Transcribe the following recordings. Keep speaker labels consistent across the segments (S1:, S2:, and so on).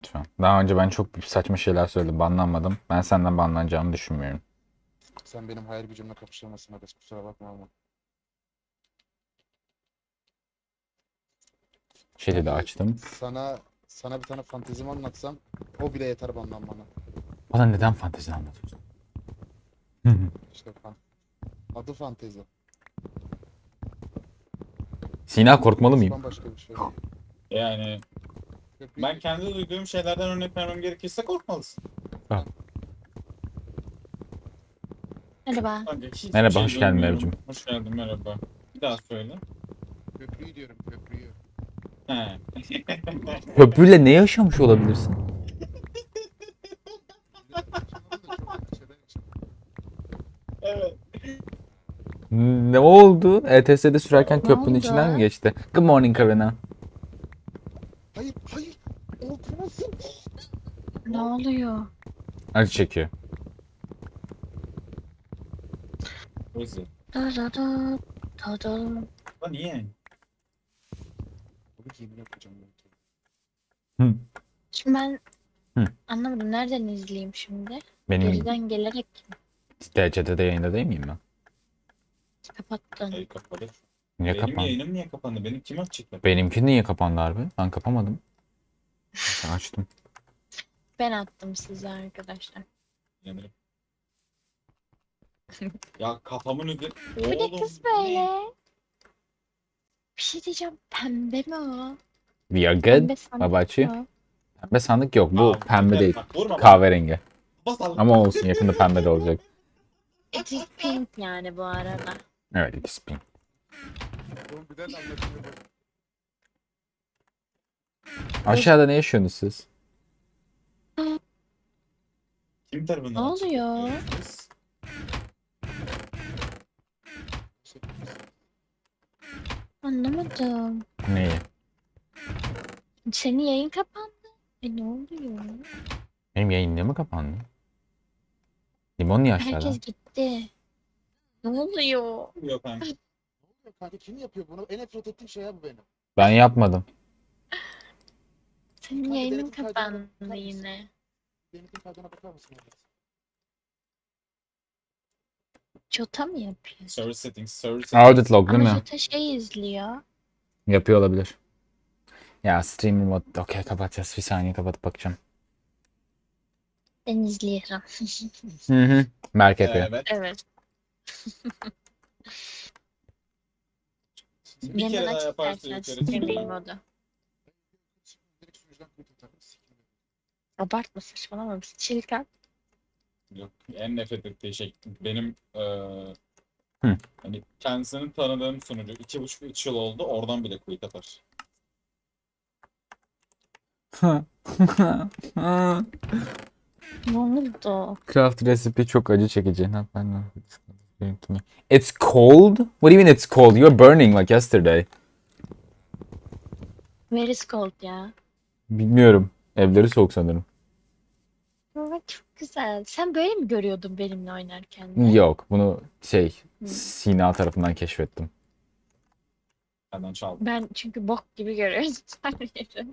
S1: Lütfen. Daha önce ben çok saçma şeyler söyledim. Banlanmadım. Ben senden banlanacağımı düşünmüyorum.
S2: Sen benim hayal gücümle kapışamazsın Hades, kusura bakma ama.
S1: Chat'i de
S2: Belki
S1: açtım.
S2: sana bir tane fantezimi anlatsam o bile yeter bana.
S1: Bana neden fantezi anlatıyorsun?
S2: İşte adı fantezi.
S1: Sina korkmalı
S2: Fantezi
S1: mıyım?
S2: bambaşka bir şey.
S3: Yani
S2: Köprüyü
S3: ben
S2: diyorum.
S3: kendi duyduğum şeylerden örnek vermem gerekirse korkmalısın.
S1: Ah.
S4: Merhaba.
S3: Bence hiçbir
S1: Merhaba,
S3: şey
S1: hoş geldin
S3: duymuyorum.
S1: Mevcim.
S3: Hoş geldin, merhaba. Bir daha söyle.
S2: Köprüyü diyorum, köprüyü.
S3: He.
S1: Köprüyle ne yaşamış olabilirsin?
S2: Yaşamadım da çok kötü şeyler yaşadım.
S3: Evet.
S1: Ne oldu? ETS'de sürerken
S3: Ya,
S4: Ne
S1: köprünün
S4: oldu?
S1: içinden mi geçti? Good morning Karina.
S2: Hayır, hayır. Olmasın.
S4: Ne oluyor?
S1: Acı çekiyor.
S3: Özür.
S4: Da da da da da.
S3: Lan niye?
S2: Bunu yemin yapacağım.
S1: Hı.
S4: Şimdi ben
S1: Hı.
S4: anlamadım. Nereden izleyeyim şimdi?
S1: Benim
S4: Geriden gelerek
S1: DC'de yayında değil miyim ben?
S4: kapattın.
S3: Hayır, kapalı.
S1: Niye
S3: Benim
S1: kapandı?
S3: yayınım niye kapandı? Benim kim açık?
S1: Benimki niye kapandı harbi? Ben kapamadım. Ben açtım.
S4: Ben attım size arkadaşlar.
S3: Yanarım. Ya kafamın üzeri...
S4: Bu ne
S3: Oğlum,
S4: kız
S3: bu ne?
S4: böyle? Bir şey diyeceğim. Pembe mi o?
S1: We are good.
S4: Pembe
S1: What about you?
S4: sandık mı?
S1: Pembe sandık yok. Bu
S3: Aa,
S1: pembe
S3: yeter.
S1: değil.
S3: Bak, vurma bana.
S1: Kahverengi.
S3: Basalım.
S1: Ama olsun, yakında pembe de olacak.
S4: It is pink yani bu arada.
S1: Evet, ikisi pink.
S2: Oğlum bir de anlaşılıyor.
S1: Aşağıda ne yaşıyorsunuz siz?
S3: Kim tarafından
S4: Ne
S3: açık
S4: oluyor?
S3: yapıyorsunuz?
S4: Anlamadım.
S1: Neyi?
S4: Senin yayın kapandı. Ne oluyor?
S1: Benim yayın mı kapandı? Limon niye aşağıda?
S4: Herkes gitti. Ne oluyor?
S3: Yok kanka.
S2: Ne oluyor kanka? Kim yapıyor bunu? En nefret ettiğim şey ya bu benim.
S1: Ben yapmadım.
S4: Senin
S2: Kanka,
S4: yayının
S2: denetim kaydına
S4: kapandı
S2: bakar mısın?
S4: yine.
S2: Benim kaydına bakar mısın?
S4: Jota mı yapıyor?
S3: Service settings, service settings.
S1: Audit log değil
S4: Ama
S1: mi?
S4: Jota şey izliyor.
S1: Yapıyor olabilir. Ya streamer mod. Okey, kapatacağız. Bir saniye kapatıp bakacağım.
S4: Ben izliyorum.
S1: Hı hı. Berk yapıyor.
S3: Evet.
S4: Evet.
S3: Bir kere
S4: Yeniden
S3: daha
S4: açık
S3: yaparsa
S4: dersen
S3: yukarı
S4: streaming
S3: çıkıyor.
S4: modu.
S2: Direkt sunucudan kuytu atarım. Sikeyim.
S4: Abartma saçmalama. Çilkan.
S3: Yok, en nefret ettiği şey benim
S1: Hı.
S3: hani kendisini tanıdığım sunucu 2,5-3 yıl oldu, oradan bile quit atar.
S4: Ne oldu?
S1: Craft recipe çok acı çekici. Not bad, no. It's cold? What do you mean it's cold? You're burning like yesterday.
S4: Where is cold ya?
S1: Bilmiyorum. Evleri soğuk sanırım.
S4: Ama çok güzel. Sen böyle mi görüyordun benimle oynarken de?
S1: Yok. Bunu
S4: Hı.
S1: Sina tarafından keşfettim.
S3: Benden çaldı.
S4: Ben çünkü bok gibi görüyordum her yeri.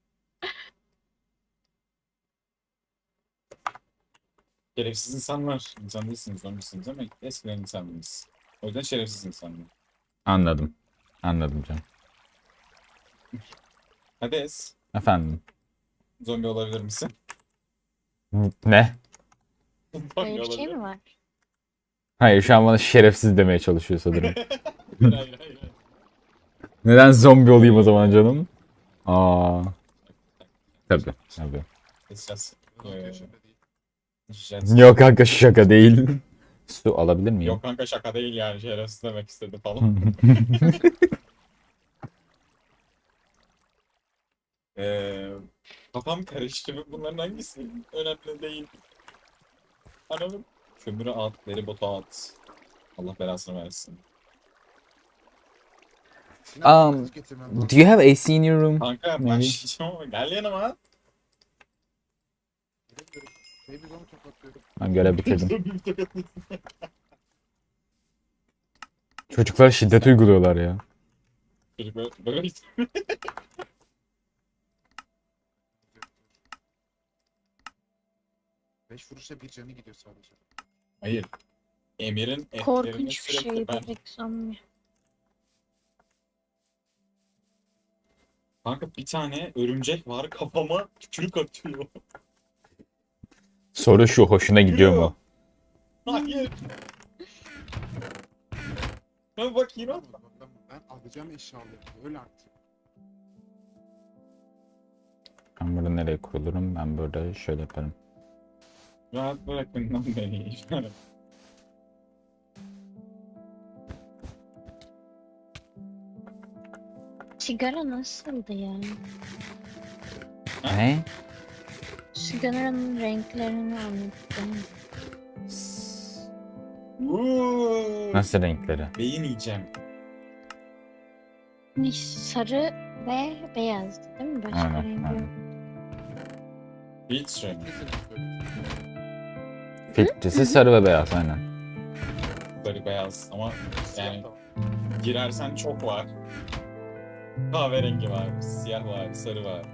S3: Şerefsiz insanlar. İnsan değilsiniz, zombisiniz ama eskiden insandınız. O yüzden şerefsiz insanlar.
S1: Anladım. Anladım canım.
S3: Hades,
S1: Efendim.
S3: zombi olabilir misin?
S1: Ne?
S3: Zombi
S4: Böyle bir şey
S3: olabilir
S4: mi
S3: misin?
S4: var?
S1: Hayır, şu an bana şerefsiz demeye çalışıyor sanırım.
S3: Hayır, hayır, hayır.
S1: Neden zombi olayım o zaman canım? Aa, tabii. Tabii.
S3: Esas.
S2: Yok, şaka değil.
S3: Jet.
S1: Yok kanka, şaka değil. Su alabilir miyim?
S3: Yok kanka, şaka değil yani, şerefsiz demek istedi falan. Kafam karıştı. Bunların hangisi önemli değil. Anladım. Kömürü at, deri botu at. Allah belasını versin.
S2: Sinan,
S1: Um,
S2: kız getirmem lazım.
S1: Do you have AC in your room?
S3: Kanka
S1: Maybe.
S3: başlayacağım ama gel yanıma.
S2: Bilemiyorum. Baby onu tokatıyorum.
S1: Ben görev bitirdim. Çocuklar şiddet uyguluyorlar ya.
S3: Çocuk böyle
S2: 5 vuruşta bir canı gidiyor sadece.
S3: Hayır. Emir'in etlerini
S4: Korkunç bir
S3: sürekli
S4: şey
S3: ben...
S4: bebek zombi.
S3: Kanka bir tane örümcek var kafama tükürük atıyor.
S1: Soru şu, hoşuna gidiyor mu?
S3: Hayır. Ben bak yine
S2: Ben alacağım eşyaları. Öyle artık.
S1: Ben burada nereye kurulurum? Ben burada şöyle yaparım.
S3: rahat bırakın lan beni.
S4: Sigara nasıldı ya?
S1: Ne?
S4: Sigaranın renklerini anlattım.
S1: Nasıl renkleri?
S3: Beyin yiyeceğim.
S4: Ne, sarı ve beyazdı değil mi? Başka
S1: Aynen,
S4: rengi
S1: aynen.
S4: yok.
S3: Filtre mi?
S1: Filtresi sarı ve beyaz aynen.
S3: Sarı beyaz ama
S2: Siyah
S3: yani
S2: da var.
S3: girersen çok var. Kahverengi var, siyah var, sarı var.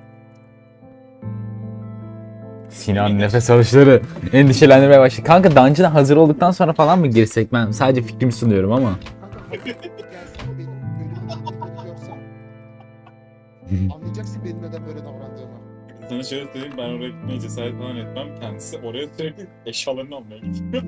S1: Sinan nefes alışları endişelendirmeye başladı. Kanka dungeon'a hazır olduktan sonra falan mı girsek? Ben sadece fikrimi sunuyorum ama.
S2: Kanka hadi gelsen benim bölümümü görsen anlayacaksın benim neden böyle davrandığımı.
S3: Sana şöyle söyleyeyim, ben oraya gitmeye cesaret falan etmem. Kendisi oraya sürekli eşyalarını almaya gidiyor.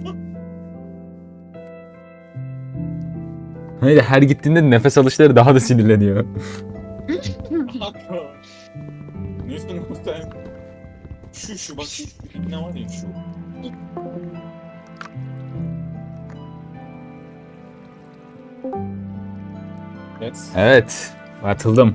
S1: Hayır, her gittiğinde nefes alışları daha da sinirleniyor.
S3: Haklı. Neyse sen... Şu bak şu ne var ya şu. Evet.
S1: Evet. Atıldım.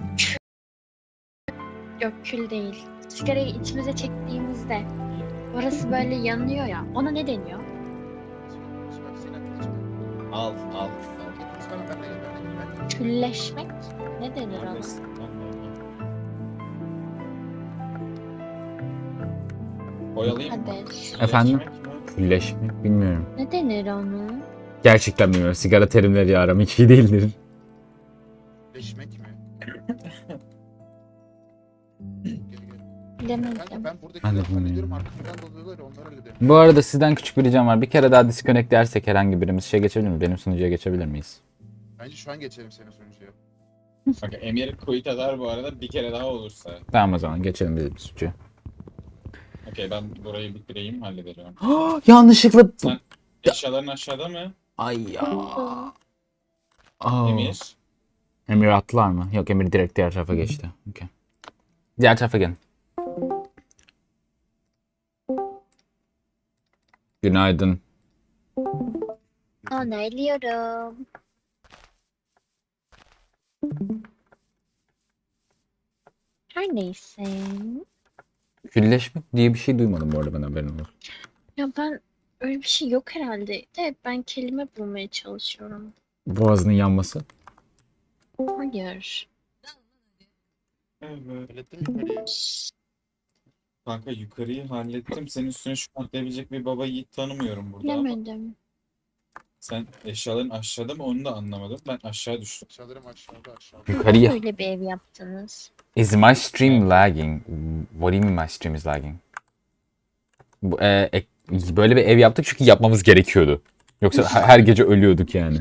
S4: Yok kül değil. Sigarayı içimize çektiğimizde orası böyle yanıyor ya. Ona ne deniyor?
S2: Bak Sinan kılıç.
S3: Al.
S2: Tamam ben de.
S4: Külleşmek ne denir ona?
S3: Neredesin? Oyalayayım mı?
S4: Hadi.
S1: Efendim?
S3: Yemek mi?
S1: Külleşmek bilmiyorum.
S4: Ne denir onu?
S1: Gerçekten bilmiyorum. Sigara terimleri aram hiç iyi değildir.
S2: Leşmek mi? Gel gel.
S4: Bilemedim.
S2: Kanka ben buradaki
S1: Ben de
S2: lafı hallediyorum
S1: bilmiyorum.
S2: arkamdan dalıyorlar ya onlar öyle demiyor.
S1: Bu arada sizden küçük bir ricam var. Bir kere daha disconnect dersek herhangi birimiz geçebilir mi? Benim sunucuya geçebilir miyiz?
S2: Bence şu an geçelim senin sunucuya.
S3: Bak Emir quit eder bu arada bir kere daha olursa.
S1: Tamam o zaman geçelim biz bir sunucuya.
S3: Okey ben burayı bitireyim hallederim.
S1: Yanlışlıkla...
S3: Sen eşyaların aşağıda mı?
S1: Ay ya. Aa.
S3: Emir.
S1: Emir attılar mı? Yok, Emir direkt diğer tarafa geçti. Okay. Diğer tarafa gelin. Günaydın.
S4: Onaylıyorum. Her neyse.
S1: Külleşmek diye bir şey duymadım bu arada, ben haberin olsun.
S4: Ya ben öyle bir şey yok herhalde. De ben kelime bulmaya çalışıyorum.
S1: Boğazının yanması.
S4: Hayır.
S3: Evet.
S2: Hallettin mi yukarıyı?
S3: Kanka yukarıyı hallettim. Senin üstüne şu atlayabilecek bir baba yiğit tanımıyorum burada ama.
S4: Bilemedim.
S3: Sen eşyaların aşağıda mı onu da anlamadım. Ben aşağı düştüm.
S2: Aşağılarım aşağıda.
S1: Yukarıya.
S4: Böyle bir ev yaptınız.
S1: Is my stream lagging? What do you mean my stream is lagging? Böyle bir ev yaptık çünkü yapmamız gerekiyordu. Yoksa her gece ölüyorduk yani.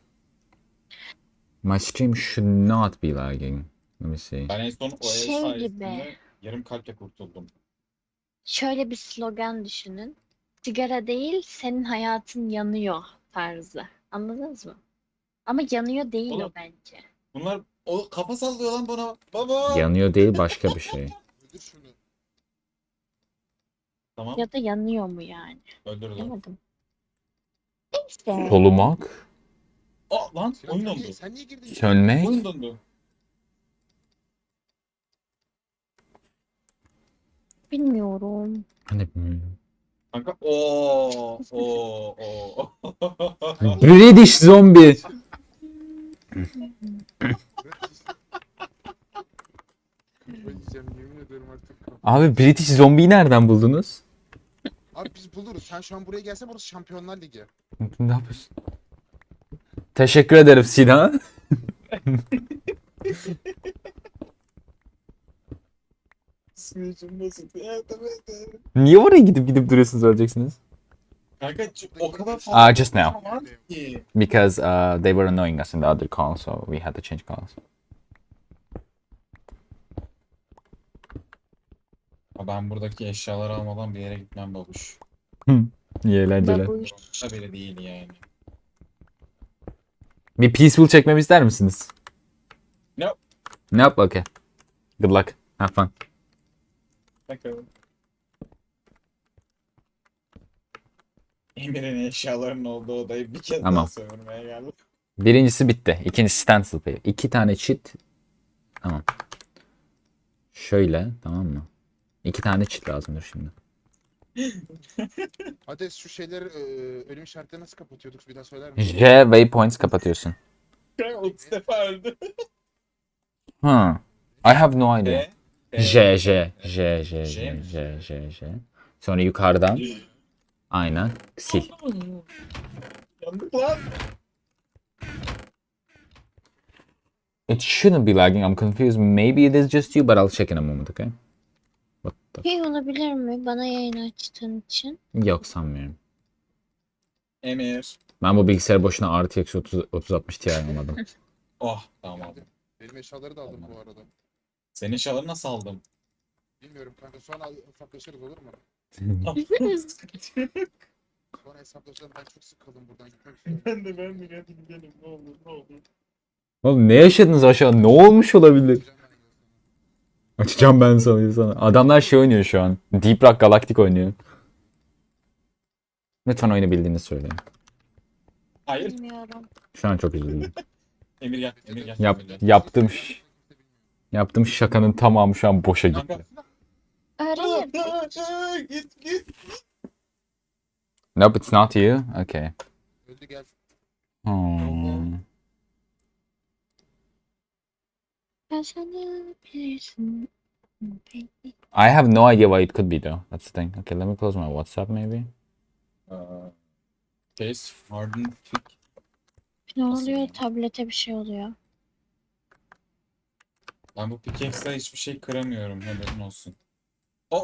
S1: My stream should not be lagging. Let me see.
S3: Ben en son o ev
S4: Şey
S3: sayesinde
S4: gibi.
S3: yarım kalple kurtuldum.
S4: Şöyle bir slogan düşünün. Sigara değil, senin hayatın yanıyor tarzı. Anladınız mı? Ama yanıyor değil
S3: Oğlum.
S4: o bence.
S3: Bunlar o kafa sallıyor lan bana. Baba.
S1: Yanıyor değil, başka bir şey.
S2: Öldür şunu.
S3: Tamam.
S4: Ya da yanıyor mu yani?
S3: Öldürdüm.
S4: Bilemedim. Neyse.
S1: Solumak,
S3: Aa lan
S2: Sinan
S3: oyun
S2: sen
S3: dondu.
S2: niye, sen niye girdin?
S1: sönmek,
S3: Oyun dondu.
S4: Bilmiyorum.
S1: hani bilmiyorum.
S3: Kanka o.
S1: British zombie.
S2: Öleceğim yemin ederim artık.
S1: Abi British zombiyi nereden buldunuz?
S2: Abi biz buluruz. Sen şu an buraya gelsen burası Şampiyonlar Ligi.
S1: Ne yapıyorsun? Teşekkür ederim Sinan.
S3: Psikolojim bozuldu. Evet, evet, evet.
S1: Niye oraya gidip gidip duruyorsunuz öleceksiniz?
S3: Kanka o kadar fazla
S1: Just now.
S3: var ki.
S1: Because they were annoying us in the other call, so we had to change calls.
S3: Ben buradaki eşyaları almadan bir yere gitmem babuş.
S1: İyi eğlenceler.
S4: Babuş.
S3: Da bile değil yani.
S1: Bir peaceful çekmemi ister misiniz?
S3: No.
S1: Nope, okay. Good luck. Have fun.
S3: Bakalım. Emir'in eşyalarının olduğu odayı bir kez
S1: Tamam.
S3: daha sömürmeye geldim.
S1: Birincisi bitti. İkincisi stencil paper. 2 tane cheat. Tamam. Şöyle, tamam mı? 2 tane cheat lazımdır şimdi.
S2: Hadi şu şeyleri ölüm işaretleri nasıl kapatıyorduk bir daha söyler misin?
S1: J waypoints kapatıyorsun.
S3: Kanka 30 defa öldü.
S1: Huh. I have no idea.
S3: E,
S1: J, J, J, J,
S3: J
S1: J,
S3: mi?
S1: J, J, J. Sonra yukarıdan. Aynen. Sil.
S3: Yandık lan.
S1: It shouldn't be lagging. I'm confused. Maybe it is just you, but I'll check in a moment, okay? What the...
S4: Şey olabilir mi? Bana yayın açtığın için.
S1: Yok sanmıyorum.
S3: Emir.
S1: Ben bu bilgisayarı boşuna RTX 3060 Ti almadım.
S3: Oh tamam aldım.
S2: Benim eşyaları da aldım bu arada.
S3: Senin eşyaları nasıl aldım?
S2: Bilmiyorum kanka sonra hesaplaşırız olur mu? Sonra hesaplaşalım ben çok sıkıldım buradan gitmek istiyorum.
S3: ben de hadi gidelim ne olur ne olur.
S1: Oğlum ne yaşadınız aşağı? Ne olmuş olabilir?
S2: Açacağım ben sana.
S1: Açacağım ben sana. Adamlar şey oynuyor şu an. Deep Rock Galactic oynuyor. Lütfen oyunu bildiğini söyleyin.
S3: Hayır.
S4: Bilmiyorum.
S1: Şu an çok üzüldüm.
S3: Emir gel. Emir gel.
S1: Yap,
S3: Emir gel.
S1: yaptığım şakanın tamamı şu an boşa gitti.
S3: Kanka.
S4: Öğrenim.
S3: Git.
S1: Nope, it's not you. Okay.
S2: Öldü gel.
S1: Hmm.
S4: Ben sana bilirsin.
S1: I have no idea what it could be though. That's the thing. Okay, let me close my WhatsApp maybe.
S3: Case hardened pick.
S4: Ne
S3: Nasıl
S4: oluyor?
S3: yani?
S4: Tablete bir şey oluyor.
S3: Ben bu pickaxe'le hiçbir şey kıramıyorum haberin olsun. Oh.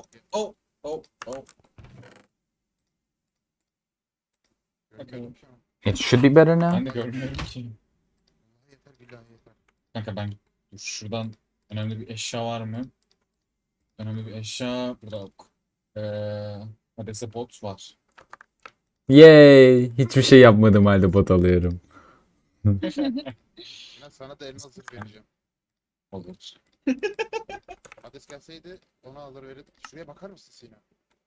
S2: Görmüyorum ki ama.
S1: It should be better now.
S3: Ben de görmüyorum ki.
S2: Yeter billahi yeter.
S3: Kanka ben şuradan önemli bir eşya var mı? Önemli bir eşya burada yok. Hades'e bot var.
S1: Yay! Hiçbir şey yapmadım halde bot alıyorum.
S2: Ben sana da elma zırh vereceğim.
S3: Olur.
S2: Hades gelseydi onu alır verir. Şuraya bakar mısın Sina?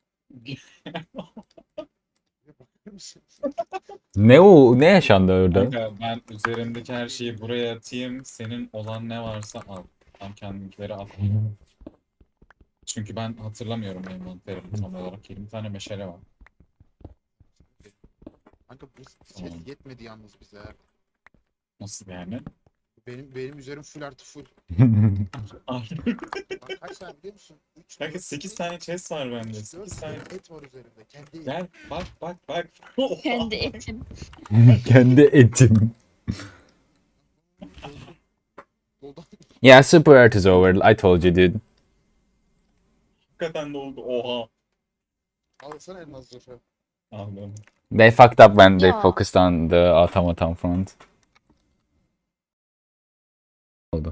S2: Şuraya bakar mısın?
S1: Ne o? Ne yaşandı orada?
S3: Kanka ben üzerimdeki her şeyi buraya atayım. Senin olan ne varsa al. Ben kendimkileri al. Çünkü ben hatırlamıyorum envanterimi tam olarak. 20 tane meşale var.
S2: Kanka bu
S3: Tamam.
S2: set yetmedi yalnız bize.
S3: Nasıl yani?
S2: Benim üzerim full artı full. Bak kaç tane biliyor musun? 3,
S3: Kanka 8 tane chest var bende. 8 tane.
S2: et var üzerimde. Kendi
S3: Gel bak.
S4: Kendi etim.
S1: Kendi etim.
S2: Doldan
S1: Yeah, Super Art is over. I told you, dude.
S3: Hakikaten de oldu. Oha.
S2: alsana elma zırhı.
S3: Anladım.
S1: They fucked up when they
S4: Ya.
S1: focused on the automaton front. Oldu.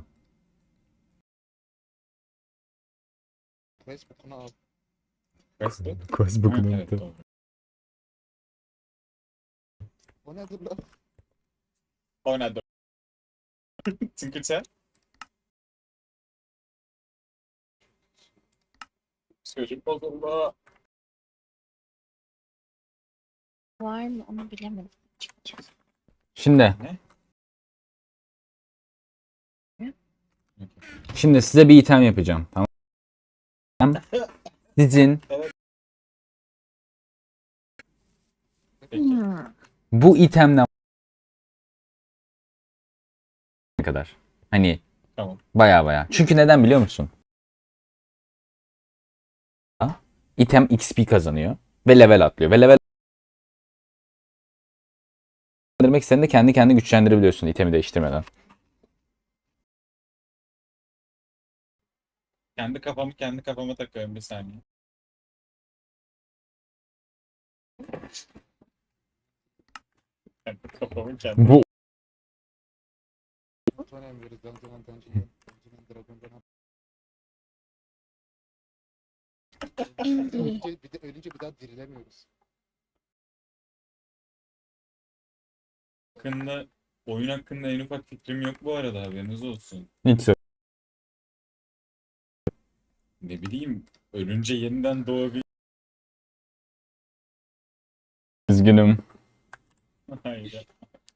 S2: Facebook'unu al.
S3: Quest
S1: Quest
S3: Ha, evet, doğru.
S2: O nedir lan?
S3: Oynadım. Tinkercell. Psikolojim bozuldu.
S4: Var mı? Onu bilemedim. açıkçası.
S1: Şimdi.
S3: Ne?
S1: Şimdi size bir item yapacağım. Tamam. Sizin
S3: Peki.
S1: bu itemden ne kadar? Hani
S3: Tamam.
S1: baya. Çünkü neden biliyor musun? İtem XP kazanıyor ve level atlıyor. Ve level demek sen de kendi güçlendirebiliyorsun itemi değiştirmeden.
S3: Kendi kafama takıyorum bir saniye. Kendi kafamı kendim.
S1: Bu
S2: Son emri Dungeon Dragon'dan. Ölünce bir daha dirilemiyoruz.
S3: Oyun hakkında en ufak fikrim yok bu arada, haberiniz olsun.
S1: hiç söyle.
S3: Ne bileyim, ölünce yeniden doğabilir.
S1: Üzgünüm.
S3: Hayır.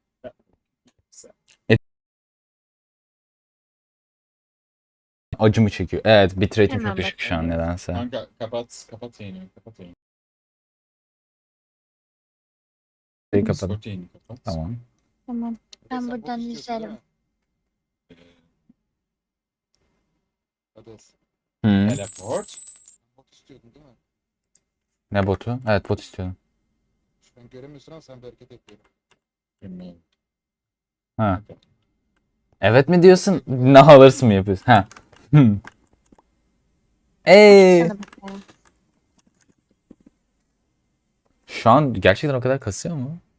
S1: Acımı çekiyor. Evet, bitrate'im çok
S4: Hemen
S1: düşük şu an
S4: bakıyorum.
S1: nedense.
S3: Kanka kapat yayını, kapat yayını.
S1: Şeyi kapadım.
S3: Discord yayını kapat.
S1: Tamam.
S4: Tamam. Ben
S2: Sen bot
S4: buradan
S2: istiyorsun, değil
S4: izlerim.
S2: mi? Hades.
S3: Teleport.
S2: Bot istiyordun değil mi?
S1: Ne botu? Evet, bot istiyorum.
S2: Ben göremiyorsun ama sen bir hareket yapıyorum.
S3: Bilmiyorum.
S1: Ha. Evet mi diyorsun? Ne alırsın mı yapıyorsun? Ha.
S4: Sana bakıyorum.
S1: Şu an gerçekten o kadar kasıyor mu?